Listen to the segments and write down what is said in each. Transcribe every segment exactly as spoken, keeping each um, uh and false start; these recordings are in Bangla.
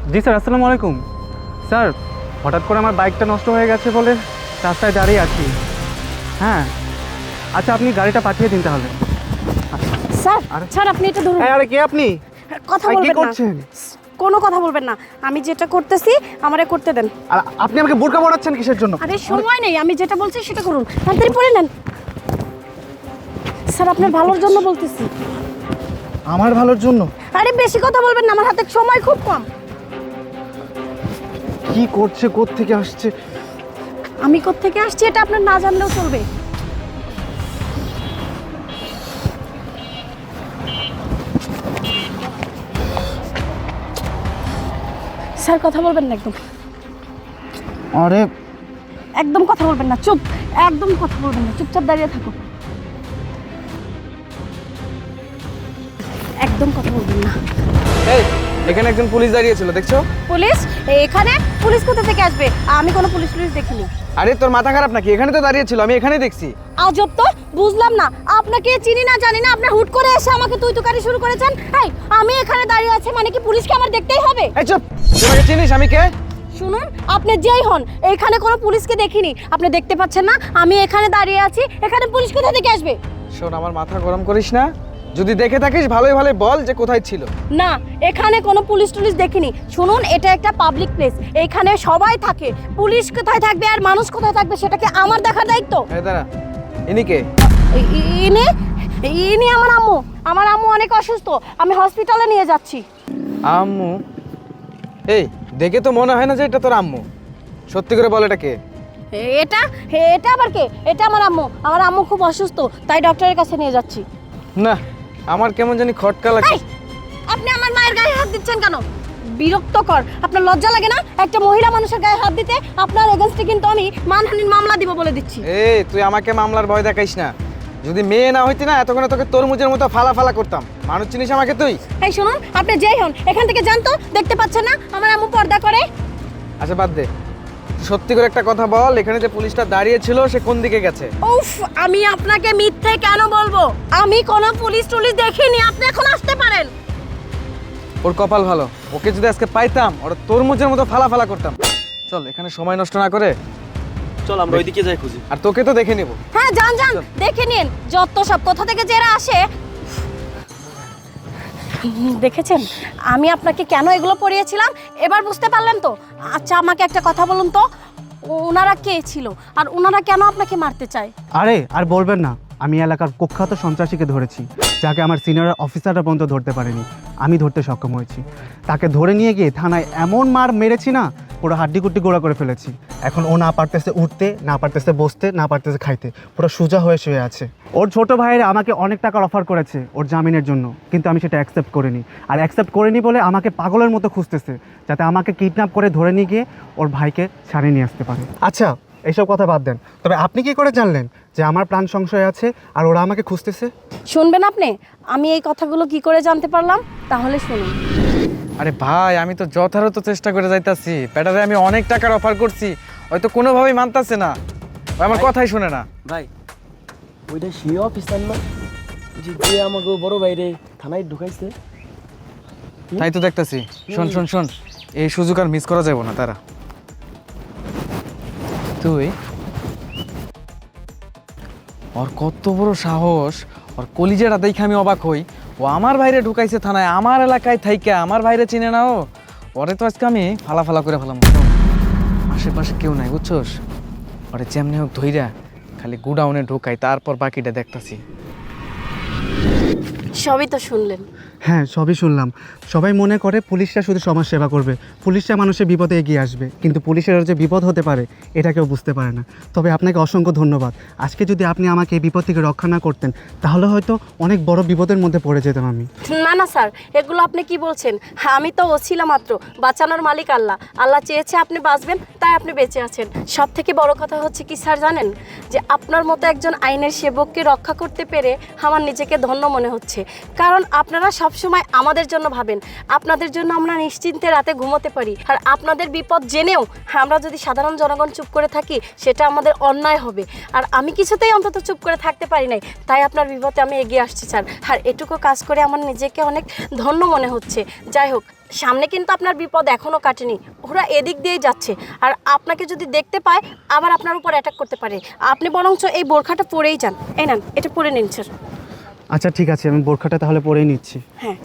জি স্যার, আসসালামু আলাইকুম। স্যার, হঠাৎ করে আমার বাইকটা নষ্ট হয়ে গেছে বলে রাস্তায় দাঁড়িয়ে আছি। হ্যাঁ, আচ্ছা আপনি গাড়িটা পাঠিয়ে দিন তাহলে। স্যার আরে- স্যার আপনি এটা ধরুন। আরে কে আপনি? কথা আরে, কি বলবেন না, করছেন? কোনো কথা বলবেন না। আমি যেটা করতেছি আমারে করতে দেন। আর আপনি আমাকে বোরকা পরাচ্ছেন কিসের জন্য? আরে সময় নেই, আমি যেটা বলছি সেটা করুন, তাড়াতাড়ি পড়ে নেন। স্যার আপনার ভালোর জন্য বলতেছি। আমার ভালোর জন্য? আরে বেশি কথা বলবেন না, আমার হাতে সময় খুব কম। কি করছে, কোত্থেকে আসছে? আমি কোত্থেকে আসছি এটা আপনার না জানলেও চলবে। স্যার কথা বলবেন না, একদম আরে একদম কথা বলবেন না, চুপ, একদম কথা বলবেন না, চুপচাপ দাঁড়িয়ে থাকো, একদম কথা বলবেন না। এই এখানে একজন পুলিশ দাঁড়িয়ে ছিল, দেখছো? পুলিশ? এখানে পুলিশ কোথা থেকে আসবে? আমি কোনো পুলিশ পুলিশ দেখিনি। আরে তোর মাথা খারাপ নাকি? এখানে তো দাঁড়িয়ে ছিল, আমি এখানেই দেখছি। আজব তো, বুঝলাম না, আপনাকে চিনি না জানি না, আপনি হুট করে এসে আমাকে তুই তুকারি শুরু করেছেন। এই আমি এখানে দাঁড়িয়ে আছি মানে কি পুলিশকে আমার দেখতেই হবে? এই চুপ, তোমাকে চিনিস আমি কে? শুনুন, আপনি যেই হন, এখানে কোনো পুলিশকে দেখিনি। আপনি দেখতে পাচ্ছেন না আমি এখানে দাঁড়িয়ে আছি? এখানে পুলিশ কোথা থেকে আসবে? শোন, আমার মাথা গরম করিস না। যদি দেখে থাকিস ভালোই ভালোই বল যে কোথায় ছিল। না, এখানে কোনো পুলিশ টুলিশ দেখিনি। শুনুন, এটা একটা পাবলিক প্লেস, এখানে সবাই থাকে। পুলিশ কোথায় থাকবে আর মানুষ কোথায় থাকবে সেটা কি আমার দেখার দায়িত্ব? এই দাঁড়া, ইনি কে? ই- ই- ইনি ইনি আমার আম্মু। আমার আম্মু অনেক অসুস্থ, আমি হসপিটালে নিয়ে যাচ্ছি। আম্মু? এই দেখে তো মনে হয় না যে এটা তোর আম্মু। সত্যি করে বল এটা কে? এ- এটা এটা আবার কে? এটা আমার আম্মু। আমার আম্মু খুব অসুস্থ, তাই ডক্টরের কাছে নিয়ে যাচ্ছি। না, আমার কেমন জানি খটকা লাগছে। এই, আপনি আমার মায়ের গায়ে হাত দিচ্ছেন কেন? বিরক্তকর। আপনার লজ্জা লাগে না একটা মহিলা মানুষের গায়ে হাত দিতে? আপনার এগেইনস্টে কিন্তু আমি মানহানির মামলা দিব বলে দিচ্ছি। এই তুই আমাকে মামলার ভয় দেখাইস না। যদি মেয়ে না হইতি না এতক্ষণে তোকে তরমুজের মতো ফালা ফালা করতাম। মানুষ চিনিস আমাকে তুই? এই শুনুন, আপনি যেই হন এখান থেকে যান তো। দেখতে পাচ্ছেন না আমার আম্মু পর্দা করে? আচ্ছা বাদ দে, সত্যি করে একটা কথা বল, এখানে যে পুলিশটা দাঁড়িয়ে ছিল সে কোন দিকে গেছে? উফ, আমি আপনাকে মিথ্যে কেন বলবো? আমি কোনো পুলিশ টুলিশ দেখিনি, আপনি এখন আসতে পারেন। ওর কপাল ভালো, ওকে যদি আজকে পাইতাম ওরা তরমুজের মতো ফালা ফালা করতাম। চল এখানে সময় নষ্ট না করে চল আমরা ওইদিকে যাই খুঁজি। আর তোকে তো দেখে নেব। হ্যাঁ যান যান, দেখে নিন যত সব কোথা থেকে যারা আসে। দেখেছেন আমি আপনাকে কেন এগুলো পড়িয়েছিলাম? এবার বুঝতে পারলেন তো? আচ্ছা আমাকে একটা কথা বলুন তো, ওনারা কে ছিল আর ওনারা কেন আপনাকে মারতে চায়? আরে আর বলবেন না, আমি এলাকার কুখ্যাত সন্ত্রাসীকে ধরেছি, যাকে আমার সিনিয়র অফিসাররা পর্যন্ত ধরতে পারেনি। আমি ধরতে সক্ষম হয়েছি। তাকে ধরে নিয়ে গিয়ে থানায় এমন মার মেরেছি না, পুরো হাড্ডি কুড্ডি গোড়া করে ফেলেছি। এখন ও না পারতেছে উঠতে, না পারতেছে বসতে, না পারতেছে খাইতে, পুরো সোজা হয়ে শুয়ে আছে। ওর ছোট ভাইয়েরা আমাকে অনেক টাকার অফার করেছে ওর জামিনের জন্য, কিন্তু আমি সেটা অ্যাকসেপ্ট করিনি। আর অ্যাকসেপ্ট করিনি বলে আমাকে পাগলের মতো খুঁজতেছে, যাতে আমাকে কিডন্যাপ করে ধরে নিয়ে গিয়ে ওর ভাইকে ছাড়িয়ে নিয়ে আসতে পারে। আচ্ছা এইসব কথা বাদ দেন, তবে আপনি কি করে জানলেন যে আমার প্রাণ সংশয় আছে আর ওরা আমাকে খুঁজতেছে? শুনবেন আপনি? আমি এই কথাগুলো কি করে জানতে পারলাম তাহলে শুনুন। আরে ভাই, আমি তো যথাযথ চেষ্টা করে যাইতাছি। ব্যাটারে আমি অনেক টাকার অফার করছি, হয়তো কোনোভাবেই মানতাছে না। ও আমার কথাই শুনে না। ভাই ওইটা সে অফিসার না যে যে আমাকে বড় বাইরে থানায় ঢুকাইছে? তাই তো দেখতাছি। শোন শোন শোন, এই সুযোগ আর মিস করা যাবে না। তারা তুই ওর কত বড় সাহস, ওর কলিজাটা দেখে আমি অবাক হই। ও আমার ভাইরে ঢুকাইছে থানায়, আমার এলাকায় থাইকা আমার ভাইরে চিনে না ও। ওরে তো আজকে আমি ফালা ফালা করে ফেলাম। আশেপাশে কেউ নাই বুঝছোস? ওরে যেমনি হোক ধইরা খালি গুডাউনে ঢুকাই, তারপর বাকিটা দেখতাছি। সবই তো শুনলেন। হ্যাঁ সবই শুনলাম। সবাই মনে করে পুলিশরা শুধু সমাজ সেবা করবে, পুলিশরা মানুষের বিপদে এগিয়ে আসবে, কিন্তু পুলিশের যে বিপদ হতে পারে এটা কেউ বুঝতে পারে না। তবে আপনাকে অসংখ্য ধন্যবাদ। আজকে যদি আপনি আমাকে এই বিপদ থেকে রক্ষা না করতেন তাহলে হয়তো অনেক বড় বিপদের মধ্যে পড়ে যেতাম আমি। না না স্যার, এগুলো আপনি কি বলছেন? আমি তো ওছিলাম মাত্র, বাঁচানোর মালিক আল্লাহ। আল্লাহ চেয়েছে আপনি বাঁচবেন, তাই আপনি বেঁচে আছেন। সব থেকে বড় কথা হচ্ছে কি স্যার জানেন? যে আপনার মতো একজন আইনের সেবককে রক্ষা করতে পেরে আমার নিজেকে ধন্য মনে হচ্ছে। কারণ আপনারা সব সময় আমাদের জন্য ভাবেন, আপনাদের জন্য আমরা নিশ্চিন্তে রাতে ঘুমোতে পারি। আর আপনাদের বিপদ জেনেও আমরা যদি সাধারণ জনগণ চুপ করে থাকি সেটা আমাদের অন্যায় হবে। আর আমি কিছুতেই অন্তত চুপ করে থাকতে পারি নাই, তাই আপনার বিপদে আমি এগিয়ে আসছি স্যার। আর এটুকু কাজ করে আমার নিজেকে অনেক ধন্য মনে হচ্ছে। যাই হোক, সামনে কিন্তু আপনার বিপদ এখনও কাটেনি, ওরা এদিক দিয়েই যাচ্ছে। আর আপনাকে যদি দেখতে পায় আবার আপনার উপর অ্যাটাক করতে পারে। আপনি বরঞ্চ এই বোরখাটা পরেই যান। এই নেন, এটা পরে নিন স্যার। আচ্ছা ঠিক আছে, আমি বোরখাটা তাহলে পরেই নিচ্ছি। হ্যাঁ,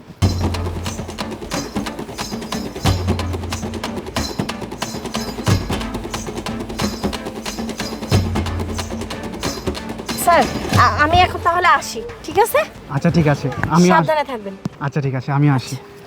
স্যার আ- আমি এখন তাহলে আসি, ঠিক আছে? আচ্ছা ঠিক আছে, আমি আস- সাবধানে থাকবেন। আচ্ছা ঠিক আছে, আমি আসি।